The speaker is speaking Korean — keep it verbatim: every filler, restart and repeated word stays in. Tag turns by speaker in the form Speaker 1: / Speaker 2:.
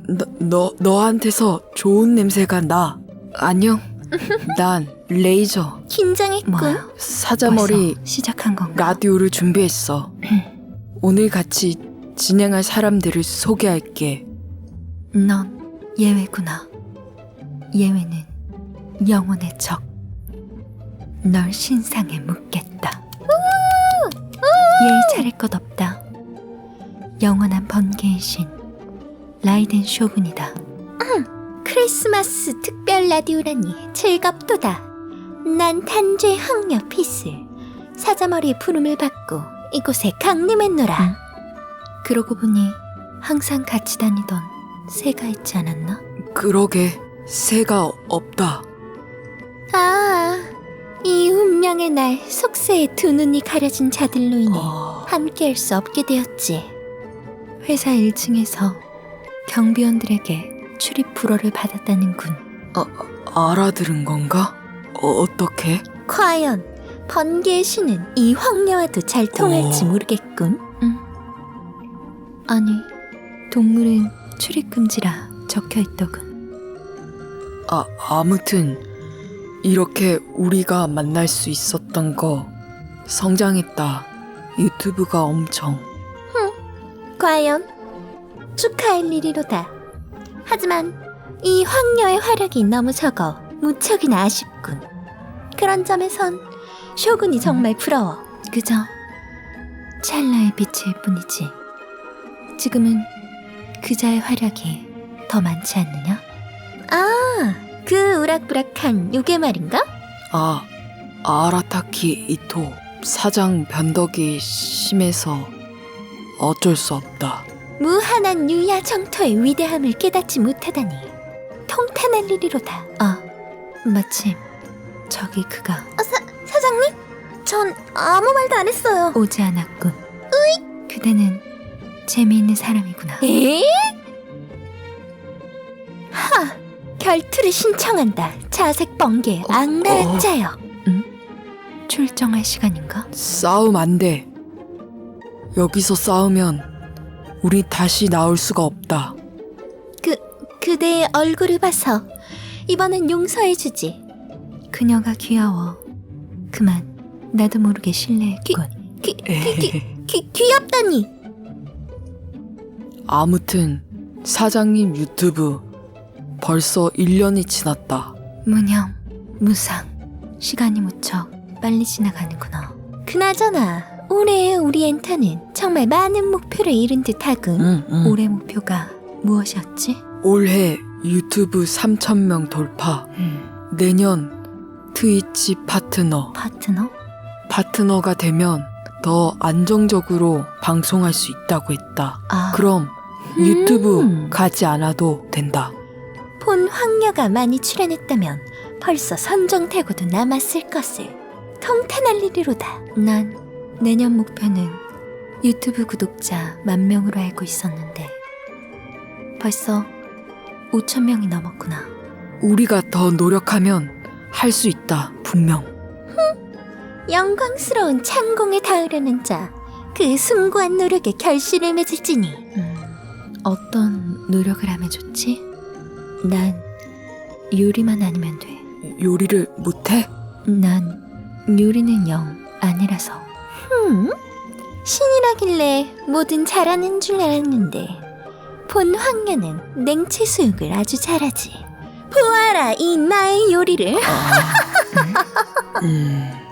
Speaker 1: 너, 너, 너한테서 좋은 냄새가 나. 안녕. 난 레이저.
Speaker 2: 긴장했군.
Speaker 3: 뭐야?
Speaker 1: 사자머리
Speaker 3: 벌써 시작한 건가?
Speaker 1: 라디오를 준비했어. 오늘 같이 진행할 사람들을 소개할게.
Speaker 3: 넌 예외구나. 예외는 영혼의 적. 널 신상에 묻겠다. 예의 차릴 것 없다. 영원한 번개의 신 라이덴 쇼군이다.
Speaker 2: 크리스마스 특별 라디오라니 즐겁도다. 난 단죄 황녀 피스. 사자머리의 부름을 받고 이곳에 강림했노라.
Speaker 3: 응? 그러고 보니 항상 같이 다니던 새가 있지 않았나?
Speaker 1: 그러게, 새가 없다.
Speaker 2: 아, 이 운명의 날 속세의 두 눈이 가려진 자들로 인해
Speaker 1: 어...
Speaker 2: 함께할 수 없게 되었지.
Speaker 3: 회사 일 층에서 경비원들에게 출입 불허를 받았다는군.
Speaker 1: 아, 알아들은 건가? 어, 어떻게?
Speaker 2: 과연 번개의 신은 이 황녀와도 잘 통할지
Speaker 1: 어.
Speaker 2: 모르겠군.
Speaker 3: 응. 아니, 동물은 출입 금지라 적혀 있더군.
Speaker 1: 아, 아무튼 이렇게 우리가 만날 수 있었던 거 성장했다. 유튜브가 엄청.
Speaker 2: 과연 축하할 일이로다. 하지만 이 황녀의 활약이 너무 적어 무척이나 아쉽군. 그런 점에선 쇼군이 정말 부러워.
Speaker 3: 그저 찰나의 빛일 뿐이지. 지금은 그자의 활약이 더 많지 않느냐?
Speaker 2: 아, 그 우락부락한 요괴 말인가?
Speaker 1: 아, 아라타키 이토. 사장 변덕이 심해서 어쩔 수 없다.
Speaker 2: 무한한 유야 정토의 위대함을 깨닫지 못하다니 통탄할 일이로다.
Speaker 3: 아, 마침 저기 그가
Speaker 2: 아, 사, 사장님? 전 아무 말도 안 했어요.
Speaker 3: 오지 않았군. 으이! 그대는 재미있는 사람이구나.
Speaker 2: 에? 하! 결투를 신청한다. 자색 번개 악랄한 자여.
Speaker 3: 출정할 시간인가?
Speaker 1: 싸움 안 돼. 여기서 싸우면 우리 다시 나올 수가 없다.
Speaker 2: 그, 그대의 얼굴을 봐서 이번엔 용서해주지.
Speaker 3: 그녀가 귀여워. 그만 나도 모르게 신뢰했군.
Speaker 2: 귀, 귀, 귀, 귀, 귀엽다니.
Speaker 1: 아무튼 사장님 유튜브 벌써 일 년이 지났다.
Speaker 3: 무념, 무상. 시간이 무척 빨리 지나가는구나.
Speaker 2: 그나저나 올해의 우리 엔터는 정말 많은 목표를 이룬 듯하군.
Speaker 1: 응, 응.
Speaker 3: 올해 목표가 무엇이었지?
Speaker 1: 올해 유튜브 삼천 명 돌파.
Speaker 3: 음,
Speaker 1: 내년 트위치 파트너.
Speaker 3: 파트너?
Speaker 1: 파트너가 되면 더 안정적으로 방송할 수 있다고 했다.
Speaker 3: 아,
Speaker 1: 그럼
Speaker 2: 음.
Speaker 1: 유튜브 가지 않아도 된다.
Speaker 2: 본 황녀가 많이 출연했다면 벌써 선정되고도 남았을 것을. 통탄할 일이로다.
Speaker 3: 난 내년 목표는 유튜브 구독자 만 명으로 알고 있었는데 벌써 오천 명이 넘었구나.
Speaker 1: 우리가 더 노력하면 할 수 있다. 분명.
Speaker 2: 영광스러운 창공에 닿으려는 자, 그 숭고한 노력에 결실을 맺을지니.
Speaker 3: 음, 어떤 노력을 하면 좋지? 난 요리만 아니면 돼.
Speaker 1: 요리를 못해?
Speaker 3: 난 요리는 영 아니라서.
Speaker 2: 흠? 신이라길래 뭐든 잘하는 줄 알았는데 본 황녀는 냉채 수육을 아주 잘하지. 보아라 이 나의 요리를.
Speaker 1: 음...